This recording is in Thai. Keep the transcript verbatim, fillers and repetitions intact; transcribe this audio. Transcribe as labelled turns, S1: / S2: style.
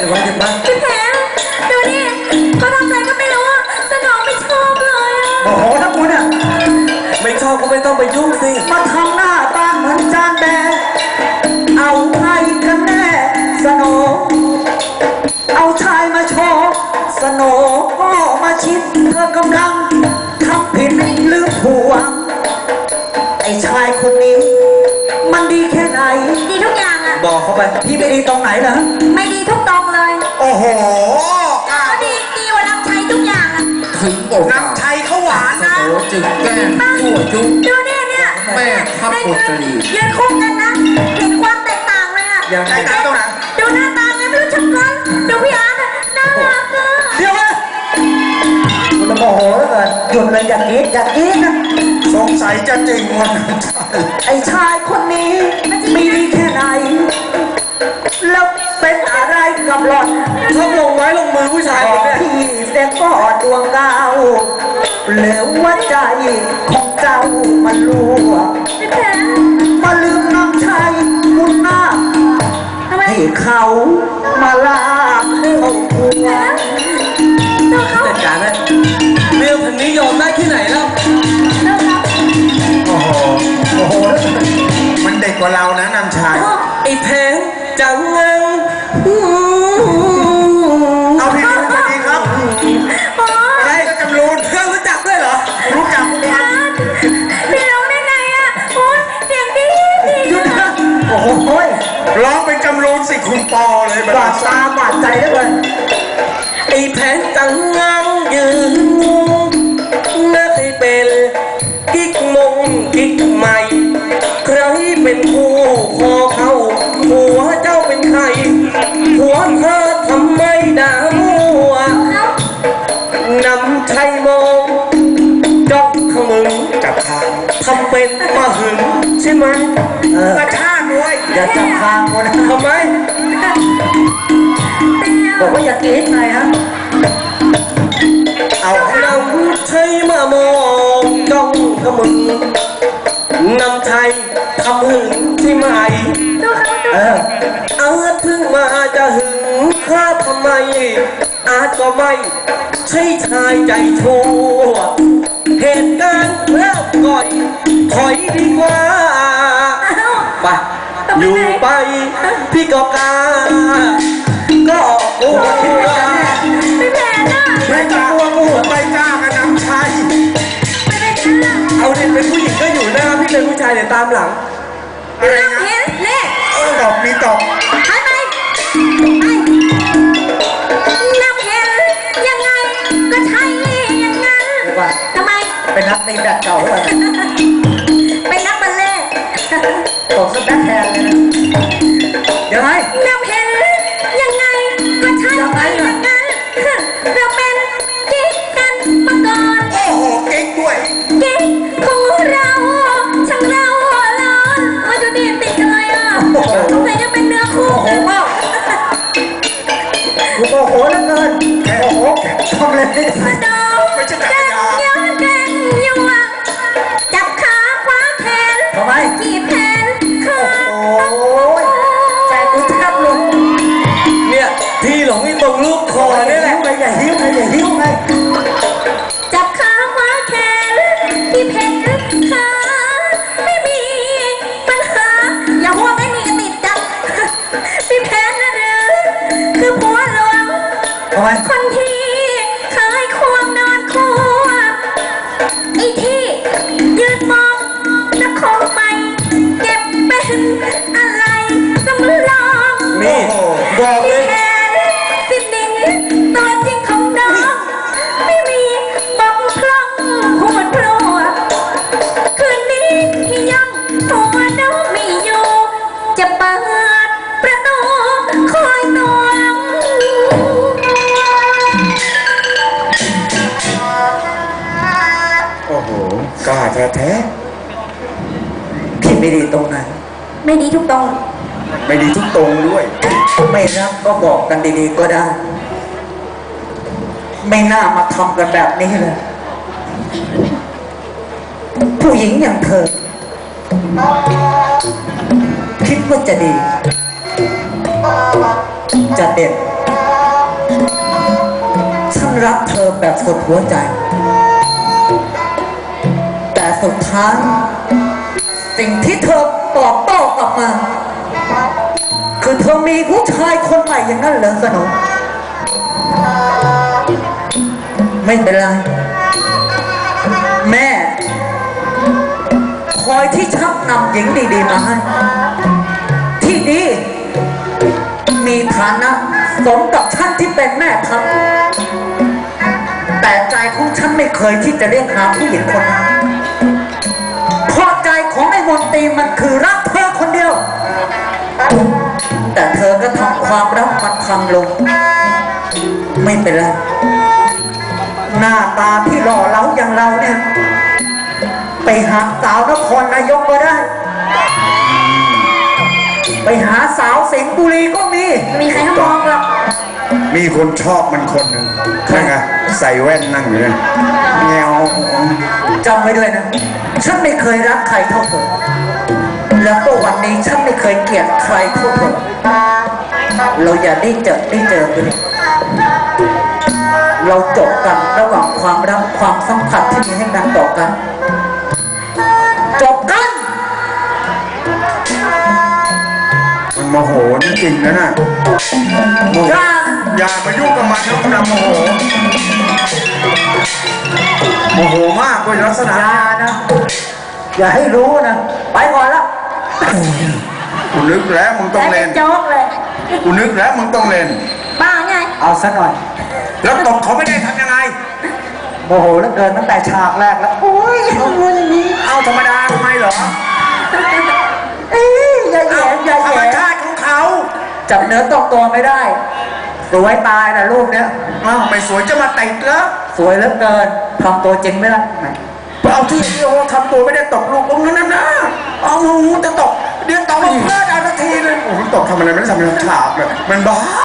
S1: ไว้เดี๋ยวมา
S2: พี่แผลดูนี่เขาทำอะไรก็ไม่รู้สนองไม่ชอบเลยอ่ะ
S3: โอ้โหถ้าคุณอ่ะ
S1: ไม่ชอบก็ไม่ต้องไปยุ่งสิ
S3: มาทำหน้าตาเหมือนจานแดงเอาใครกันแน่สโนเอาชายมาโชว์สโนก็มาชิดเธอกำลังทำผิดหรือผัวไอ้ชายคนนี้มันดีแค่ไหน
S2: ดีทุกอย่างอ่ะ
S1: บอกเขาไป
S3: พี่ไม่ดีตรงไหนเหรอ
S2: ไม่ดีทุกตรงเลย
S3: โอ้โห
S2: ก็ดีดีกว่าน้ำชัยทุกอย่างอ่ะ
S1: ถึงบอก
S3: น้ำชัยเขาหวานนะ
S1: จึงแก้ชั่วยุ
S2: ดูเนี่ยเนี่ย
S1: แม่ทับปุตรี
S2: ยืนคู่กันนะเห็นความแตกต่างเลยอ่ะ
S3: แตกต่างตรงไหน
S2: ดูหน้าตาไงไม่รู้ชักกันดูพี่อาร์ตน่ารักอ่ะ
S3: เดี๋ยวนะคุณโมโหแล้วกันหยุดเลยอย่างนี้อย่างนี้นะสงสัยจะจริงวันไอ้ชายคนนี้มีดีแค่ไหนแล้วเป็นอะไรกับหล่อน
S1: ชอบลงไม้ลงมือผู้ชายคนนี้
S3: พี่เสียก็ดวงดาวเหลือว่าใจของเจ้ามันรั่วมาลืมน้ำชัยมุนหน้าให้เขามาลากเขาหัว
S1: จัดการนะเรื่องพันนี้ยอมได้ที่ไหนแล้ว
S3: โอ้โหโอ้โหมันเด็กกว่าเรานะน้ำชัย
S1: ไอ้แพงจังงัง
S3: เอาพี่สวัสดีครับอะไรก็จำรูน
S1: เพื่อนรู้จักด้วยเหรอ
S3: รู้จักกัน
S2: พี่ร้องได้ไงอ่ะโอ้ยเสียงดีดี
S3: โอ้โหร้องเป็นจำรูนสิคุณปอเลยบาดตาบาดใจได้เลย
S1: ไอ้แพงจังงังยืนน่าเคยเป็นกิ๊กมงกิ๊กใหม่ใครเป็นผู้พอเขาหัวเจ้าเป็นใครหัวเธอทำไมด่ามัวนำชัยมองจ้องขมึง
S3: จับทาง
S1: ทำเป็นมาหึงใช่ไหม
S3: กระชากด้วยอย่าจับทางคน
S1: ทำไม
S3: บอกว่าอย่าเกลียดไงฮะ
S1: เอานำชัยมามองจ้องขมึงนำชัยทำหึงใช่ไหม
S3: เออ
S1: อาจเพิ่งมาจะหึงข้าทำไมอาจก็ไม่ใช่ชายใจชั่วเหตุการณ์เริ่มก่อนถอยดีกว่าไปอยู่ไปพี่ก็กล้าก็กลัว
S2: ไม่แพ้น่ะ
S3: ไม่กลัวกูไม่กล้ากันน้ำชัย
S2: ไม่ได้กล้า
S1: เอาเด็กเป็นผู้หญิงก็อยู่หน้าพี่เป็นผู้ชายเดี๋ยวตามหลัง
S3: อะไรนะ
S2: เห็นเล่
S3: ตอบมีตอบ
S2: ไปไปน้ำเห็นยังไงก็ใช่อย่างนั้นทำไม
S3: เป็นนักตีแบบเก่าหรือเปล่า
S2: เป็นนักบัลเล่
S3: ตกสแต็กแทนเลยนะเดี๋ยวไง
S2: น้ำเห็นยังไงก็ใช่อย่างนั้นเราเป็นกิ๊กกันมาก่อน
S3: โอ้โหกิ๊กด้วย
S2: กิ๊กของเราช่างเราร้อนมาดูดีติดกันเลยอ่ะสงสัยจะเป็นเนื้อคู่
S3: โอ้โหมากโอ้โหแล้วเงินโอ้โหทำเลย
S2: มาดองแกงย้อนแกงยัวจับขาคว้าแขน
S3: ทำไม
S2: ขี่แขนขา
S3: โอ้ยใจกูแทบหลุด
S1: เนี่ยพี่หลงที่ตรงลูกคอนี่แหละ
S3: อย่าหิ้วไงอย่าหิ้วไง
S2: จับขาคว้าแขนขี่แขนขาไม่มีปัญหาอย่าหัวไม่มีกระติดจับพี่แพนนะหรือคือผัวหลวงคนที่เคยควงนอนคู่ไอ้ที่ยืนมองนักคงไปเก็บเป็นอะไรสำรอง
S1: นี่บอกเลย
S2: แทนสิ้นดิ่งตัวจริงของน้องไม่มีบอกพร่องพูดพลัวคืนนี้ที่ยังตัวน้องไม่อยู่จะเปิดประตูคอยนอน
S3: โอ้โหกล้าแท้ๆพี่ไม่ดีตรงไหน
S2: ไม่ดีทุกตรง
S3: ไม่ดีทุกตรงด้วยไม่รับก็บอกกันดีๆก็ได้ไม่น่ามาทำกันแบบนี้เลยผู้หญิงอย่างเธอคิดว่าจะดีจะเด็ดรักเธอแบบสุดหัวใจ แต่สุดท้ายสิ่งที่เธอตอบโต้กลับมา คือเธอมีผู้ชายคนใหม่อย่างนั้นเหรอสนมไม่เป็นไร แม่คอยที่ชักนำหญิงดีๆมาให้ที่ดีมีฐานะสมกับฉันที่เป็นแม่ทัพแต่ใจของฉันไม่เคยที่จะเรียกหาผู้หญิงคนนั้นเพราะใจของไอ้มนตรีมันคือรักเธอคนเดียว แต่เธอก็ทำความรักมันพังลง ไม่เป็นไร หน้าตาที่หล่อเหลาอย่างเราเนี่ย ไปหาสาวนครนายกก็ได้ ไปหาสาวสิงห์บุรีก็มี
S2: ไม่มีใครเขามองหรอก
S4: มีคนชอบมันคนหนึ่งนั่นไงใส่แว่นนั่งอยู่นั่นแงว
S3: จำไว้ด้วยนะ ฉันไม่เคยรักใครเท่าเธอ แล้วก็วันนี้ฉันไม่เคยเกลียดใครเท่าเธอ เราอย่าได้เจอได้เจอกันเลยเราจบกันระหว่างความรักความสัมผัสที่มีให้กันต่อกัน จบกัน
S4: มันโมโหจริงๆนะน่ะโมโห
S3: อย่า
S4: อย่ามายุ่งกับมันนะมันโมโหโมโหมากด้วยลักษณะ
S3: อย่านะ อย่าให้รู้นะ ไปก่อนละ
S4: กูนึกแล้วมึงต้อง
S2: แล้ว
S4: เล่
S2: เป็น นโจ๊กเลย
S4: กูนึกแล้วมึงต้องเล่น
S2: บ้าไง
S3: เอาซะหน่อย
S4: แล้วตบเขาไม่ได้ทำยังไง
S3: โมโหเหลือเกินตั้งแต่ฉากแรกแล้ว โอ้ยเอาเงินนี้
S4: เอาธรรมดาทำไมเหรอ
S3: เอ้ยอย่าแห
S4: เอา
S3: ย่อย่า
S4: ธร
S3: แห
S4: รม
S3: ย่
S4: ชาติของเขา
S3: จับเนื้อต้องตัวไม่ได้ สวยตายนะรูปเนี้ย
S4: อ้าวไม่สวยจะมาติดแล้ว
S3: สวยเหลือเกินทำตัวจริงไม่ละแหม
S4: เอาที่โอ้ทำตัวไม่ได้ตกลูกตรงนั้นนะเอาหูจะตกเดี๋ยวตกลงเพื่อนเอาทันทีเลยโอ้โหตกทำอะไรไม่ได้ทำเป็นฉากเลยมันบ้า